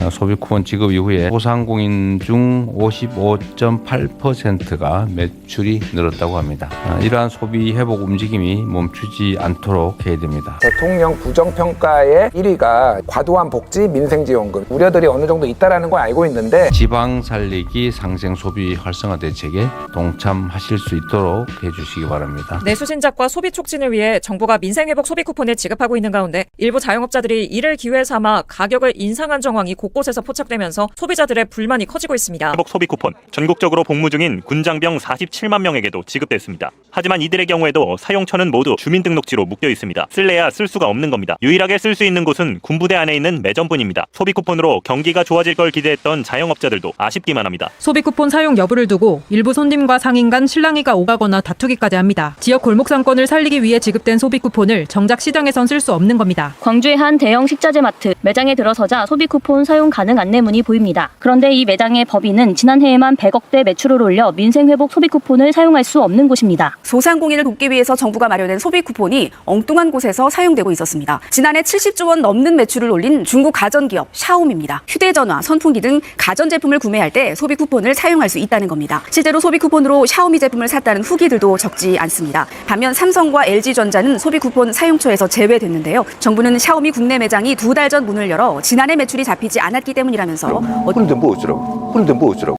소비 쿠폰 지급 이후에 소상공인 중 55.8%가 매출이 늘었다고 합니다. 이러한 소비 회복 움직임이 멈추지 않도록 해야 됩니다. 대통령 부정평가의 1위가 과도한 복지, 민생지원금 우려들이 어느 정도 있다는 걸 알고 있는데 지방 살리기 상생 소비 활성화 대책에 동참하실 수 있도록 해주시기 바랍니다. 내수신작과 소비 촉진을 위해 정부가 민생회복 소비 쿠폰을 지급하고 있는 가운데 일부 자영업자들이 이를 기회 삼아 가격을 인상한 정황이 곳곳에서 포착되면서 소비자들의 불만이 커지고 있습니다. 회복 소비 쿠폰, 전국적으로 복무 중인 군장병 47만 명에게도 지급됐습니다. 하지만 이들의 경우에도 사용처는 모두 주민등록지로 묶여 있습니다. 쓸래야 쓸 수가 없는 겁니다. 유일하게 쓸 수 있는 곳은 군부대 안에 있는 매점뿐입니다. 소비 쿠폰으로 경기가 좋아질 걸 기대했던 자영업자들도 아쉽기만 합니다. 소비 쿠폰 사용 여부를 두고 일부 손님과 상인 간 실랑이가 오가거나 다투기까지 합니다. 지역 골목 상권을 살리기 위해 지급된 소비 쿠폰을 정작 시장에선 쓸 수 없는 겁니다. 광주의 한 대형 식자재 마트 매장에 들어서자 소비 쿠폰 사용 가능 안내문이 보입니다. 그런데 이 매장의 법인은 지난해에만 100억대 매출을 올려 민생회복 소비 쿠폰을 사용할 수 없는 곳입니다. 소상공인을 돕기 위해서 정부가 마련한 소비 쿠폰이 엉뚱한 곳에서 사용되고 있었습니다. 지난해 70조 원 넘는 매출을 올린 중국 가전기업 샤오미입니다. 휴대전화, 선풍기 등 가전제품을 구매할 때 소비 쿠폰을 사용할 수 있다는 겁니다. 실제로 소비 쿠폰으로 샤오미 제품을 샀다는 후기들도 적지 않습니다. 반면 삼성과 LG전자는 소비 쿠폰 사용처에서 제외됐는데요. 정부는 샤오미 국내 매장이 2달 전 문을 열어 지난해 매출이 잡히지 않았기 때문이라면서 그런데 뭐 어쩌라고?